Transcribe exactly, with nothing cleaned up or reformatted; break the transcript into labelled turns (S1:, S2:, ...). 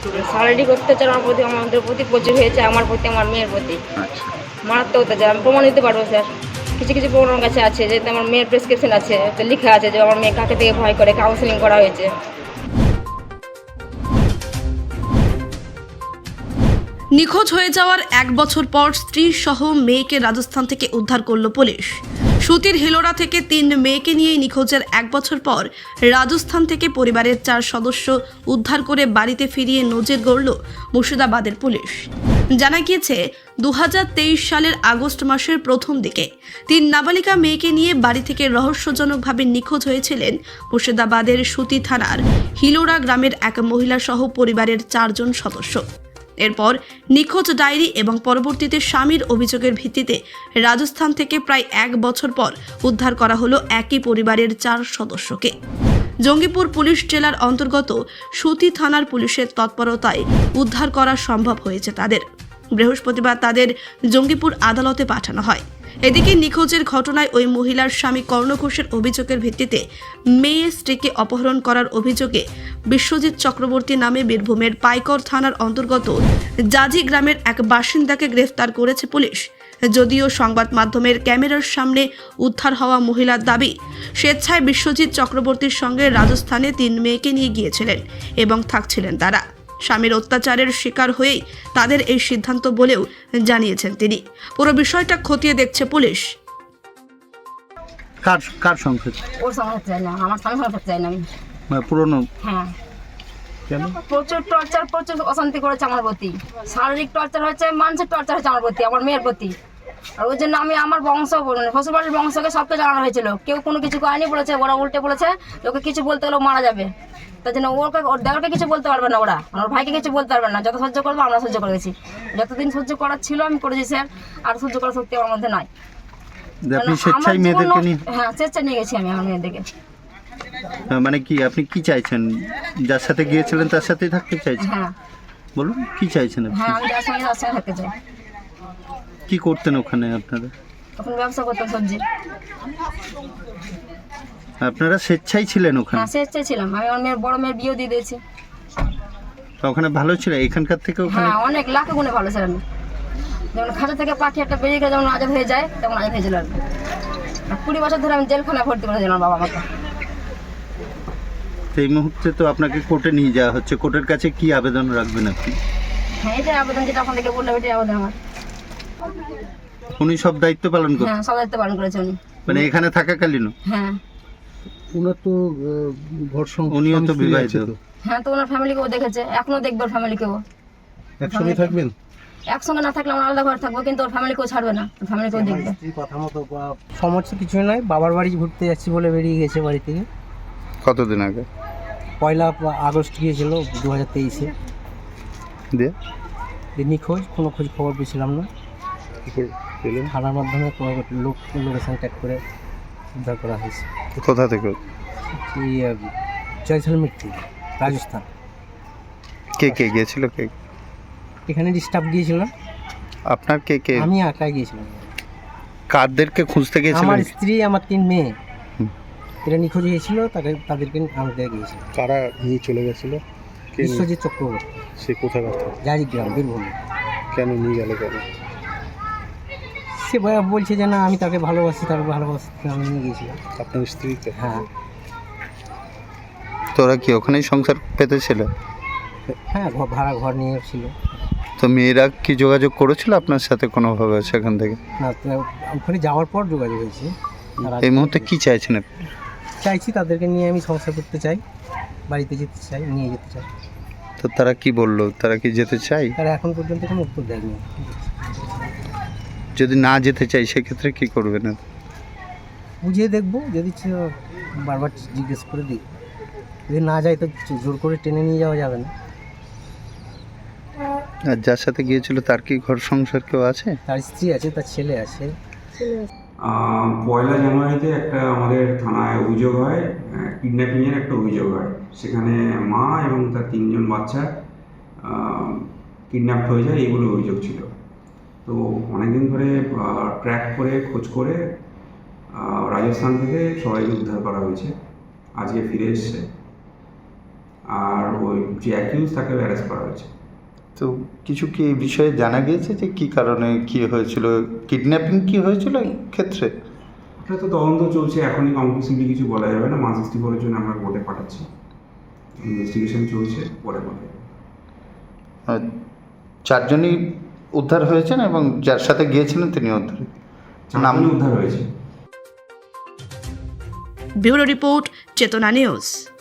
S1: শারীরিক অত্যাচার আমার প্রতি আমাদের প্রতি প্রচুর হয়েছে, আমার প্রতি আমার মেয়ের প্রতি
S2: আচ্ছা,
S1: মারাত্মক অত্যাচার। আমি প্রমাণ দিতে পারবো স্যার, কিছু কিছু প্রমাণ আমার কাছে আছে, যেহেতু আমার মেয়ের প্রেসক্রিপশন আছে, তো লেখা আছে যে আমার মেয়ে কাকে থেকে ভয় করে কাউন্সিলিং করা হয়েছে।
S3: নিখোঁজ হয়ে যাওয়ার এক বছর পর স্ত্রী সহ মেয়েকে রাজস্থান থেকে উদ্ধার করল পুলিশ। সুতির হিলোরা থেকে তিন মেয়েকে নিয়ে নিখোঁজের এক বছর পর রাজস্থান থেকে পরিবারের চার সদস্য উদ্ধার করে বাড়িতে ফিরিয়ে নজির গড়ল মুর্শিদাবাদের পুলিশ। জানা গিয়েছে দু হাজার তেইশ সালের আগস্ট মাসের প্রথম দিকে তিন নাবালিকা মেয়েকে নিয়ে বাড়ি থেকে রহস্যজনকভাবে নিখোঁজ হয়েছিলেন মুর্শিদাবাদের সুতি থানার হিলোরা গ্রামের এক মহিলা সহ পরিবারের চারজন সদস্য। এরপর নিখোঁজ ডায়েরি এবং পরবর্তীতে স্বামীর অভিযোগের ভিত্তিতে রাজস্থান থেকে প্রায় এক বছর পর উদ্ধার করা হলো একই পরিবারের চার সদস্যকে। জঙ্গিপুর পুলিশ জেলার অন্তর্গত সুতি থানার পুলিশের তৎপরতায় উদ্ধার করা সম্ভব হয়েছে তাদের। বৃহস্পতিবার তাদের জঙ্গিপুর আদালতে পাঠানো হয়। এদিকে নিখোঁজের ঘটনায় ওই মহিলার স্বামী কর্ণ ঘোষের অভিযোগের ভিত্তিতে মেয়ে স্ত্রীকে অপহরণ করার অভিযোগে বিশ্বজিৎ চক্রবর্তী নামে বীরভূমের পাইকর থানার অন্তর্গত জাজি গ্রামের এক বাসিন্দাকে গ্রেফতার করেছে পুলিশ। যদিও সংবাদ মাধ্যমের ক্যামেরার সামনে উদ্ধার হওয়া মহিলার দাবি, স্বেচ্ছায় বিশ্বজিৎ চক্রবর্তীর সঙ্গে রাজস্থানে তিন মেয়েকে নিয়ে গিয়েছিলেন এবং থাকছিলেন তারা। স্বামীর অত্যাচারের শিকার হয়েই তাদের এই সিদ্ধান্ত বলেও জানিয়েছেন তিনি। পুরো বিষয়টা খতিয়ে দেখছে পুলিশ।
S2: কার কার সংসার?
S1: ওর সঙ্গে থাকতে চাই না, আমার স্বামীর সঙ্গে থাকতে চাই না আমি।
S2: মানে পুরনো?
S1: হ্যাঁ,
S2: কেন?
S1: প্রচুর টর্চার, প্রচুর অশান্তি করেছে আমার প্রতি। শারীরিক টর্চার হয়েছে, মানসিক টর্চার হয়েছে আমার প্রতি, আমার মেয়ের প্রতি। আর ওই জন্য আমি আমার বংশ, শ্বশুরবাড়ির বংশকে সবকে জানানো হয়েছিল, কেউ কোনো কিছু করেনি, বলেছে ওরা উল্টে বলেছে ওকে কিছু বলতে গেলেও মারা যাবে। তার জন্য ওকে, ওর দেওয়ারকে কিছু বলতে পারবে না, ওরা ওর ভাইকে কিছু বলতে পারবে না। যত সহ্য করবো আমরা সহ্য করে গেছি, যতদিন সহ্য করার ছিল আমি করেছি স্যার, আর সহ্য করার শক্তি আমার মধ্যে নাই।
S2: আপনি স্বেচ্ছায় মেয়েদেরকে নিয়ে?
S1: হ্যাঁ, স্বেচ্ছায় নিয়ে গেছি আমি আমার মেয়েদেরকে।
S2: মানে কি আপনি কি চাইছেন? যার সাথে গিয়েছিলেন তার সাথেই থাকতে চাইছেন?
S1: হ্যাঁ।
S2: বলুন কি চাইছেন আপনি?
S1: হ্যাঁ, আমি যার সঙ্গে তার সঙ্গে থাকতে চাই।
S2: কি করতেন ওখানে আপনারা?
S1: তখন ব্যবসা করতাম সবজি।
S2: আপনারা স্বেচ্ছায় ছিলেন ওখানে?
S1: হ্যাঁ, স্বেচ্ছায় ছিলাম। আমি আমার মেয়ের বড় মেয়ের বিয়ে দিয়ে দিয়েছি।
S2: তো ওখানে ভালো ছিল এখানকার থেকে ওখানে?
S1: হ্যাঁ, অনেক লাখে গুণে ভালো ছিলাম। যেমন খাঁচা থেকে পাখি একটা বেরিয়ে গেলে যেমন আজাদ হয়ে যায়, তেমন আজাদ হয়েছিল। আর কুড়ি বছর ধরে আমি জেলখানায় ভর্তি করেছিলাম বাবা আমাকে।
S2: এই মুহূর্তে তো আপনাকে কোর্টে নিয়ে যাওয়া হচ্ছে, কোর্টের কাছে কি আবেদন রাখবেন আপনি?
S1: হ্যাঁ, এটাই আবেদন, যেটা আপনাদেরকে বললাম, এটাই আবেদন আমার।
S2: উনি সব দায়িত্ব পালন করতেন?
S1: হ্যাঁ, সব দায়িত্ব পালন করেছে উনি।
S2: মানে এখানে থাকাকালীনও?
S1: হ্যাঁ।
S4: ওনার তো ঘর সংসার,
S2: উনিও তো বিবাহিত।
S1: হ্যাঁ, তো ওনার ফ্যামিলিকেও দেখেছে, এখনো দেখবে ওর ফ্যামিলিকেও।
S4: একসঙ্গে থাকবেন?
S1: একসঙ্গে না থাকলে আমরা আলাদা ঘরে থাকবো, কিন্তু ওর ফ্যামিলিকেও ছাড়বে না, ওর ফ্যামিলিকেও দেখবে।
S4: কথা মতো সমস্যা কিছুই নয়, বাবার বাড়ি ঘুরতে যাচ্ছি বলে বেরিয়ে গেছে বাড়ি থেকে।
S2: কতদিন আগে?
S4: পয়লা আগস্ট গিয়েছিল দু হাজার তেইশে।
S2: দিয়ে
S4: নিখোঁজ, কোনো খোঁজ খবর পেয়েছিলাম না। থানার মাধ্যমে লোক লোকেশন ট্যাগ করে উদ্ধার করা হয়েছে।
S2: কোথা থেকে?
S4: এই জয়সলমের থেকে, রাজস্থান।
S2: কে কে গিয়েছিল? কে
S4: এখানে স্টাফ গিয়েছিলাম।
S2: আপনার কে কে?
S4: আমি একাই গিয়েছিলাম।
S2: কাদেরকে খুঁজতে গিয়েছিলেন?
S4: আমার স্ত্রী, আমার তিন মেয়ে,
S2: হুম।
S4: এরা নিখোঁজ হয়েছিল, তাকে তাদেরকে আমাদের গিয়েছিল।
S5: কারা নিয়ে চলে গেছিল?
S4: বিশ্বজিৎ চক্রবর্তী,
S5: সে কোথায় কথা?
S4: জাজি গ্রাম, বীরভূম।
S5: কেন নিয়ে গেল? কেন?
S4: সে বলছে যে না আমি তাকে ভালোবাসি, তাকে ভালোবাসি, আমি নিয়ে গিয়েছিলাম।
S5: আপনার স্ত্রীকে?
S4: হ্যাঁ।
S2: তোরা কি ওখানেই সংসার পেতেছিল?
S4: হ্যাঁ, ঘর ভাড়া ঘর নিয়ে ছিল।
S2: তো মেয়েরা কি যোগাযোগ করেছিল আপনার সাথে কোনোভাবে সেখান থেকে?
S4: না, ওখানে যাওয়ার পর যোগাযোগ হয়েছে।
S2: এই মুহূর্তে কি চাইছেন আপনি?
S4: চাইছি তাদেরকে নিয়ে আমি সংসার করতে চাই, বাড়িতে যেতে চাই, নিয়ে যেতে চাই।
S2: তো তারা কি বললো? তারা কি যেতে চাই?
S4: তারা এখন পর্যন্ত কোনো উত্তর দেয়নি।
S2: যদি না যেতে চাই সেক্ষেত্রে কি করবেন?
S4: বুঝিয়ে দেখবো, যদি বারবার জিজ্ঞেস করে দিই, যদি না যায় তো জোর করে টেনে নিয়ে যাওয়া যাবে না।
S2: আর যার সাথে গিয়েছিল তার কি ঘর সংসার কেউ আছে?
S4: তার স্ত্রী আছে, তার ছেলে আছে।
S6: পয়লা জানুয়ারিতে একটা আমাদের থানায় অভিযোগ হয়, কিডন্যাপিংয়ের একটা অভিযোগ হয়। সেখানে মা এবং তার তিনজন বাচ্চা কিডন্যাপ হয়ে যায়, এইগুলো অভিযোগ ছিল। তো অনেকদিন ধরে ট্র্যাক করে খোঁজ করে রাজস্থান থেকে সবাইকে উদ্ধার করা হয়েছে, আজকে ফিরে এসছে। আর ওই যে অ্যাকিউজ তাকে অ্যারেস্ট করা হয়েছে।
S2: তো কিছু কি এই বিষয়ে জানা গিয়েছে যে কি কারণে কি হয়েছিল, কিডন্যাপিং কি হয়েছিল এই ক্ষেত্রে?
S6: এটা তো তদন্ত চলছে, এখনই কনক্লুসিভলি কিছু বলা যাবে না। ওয়ান সিক্সটি ফোরের জন্য আমরা কোর্টে পাঠাচ্ছি, ইনভেস্টিগেশন চলছে, পরে বলা যাবে।
S2: আর চারজনই উদ্ধার হয়েছেন এবং যার সাথে গিয়েছিলেন তিনি উদ্ধার। নাম
S6: চারজনই উদ্ধার হয়েছে।
S3: Bureau report, Chetana news.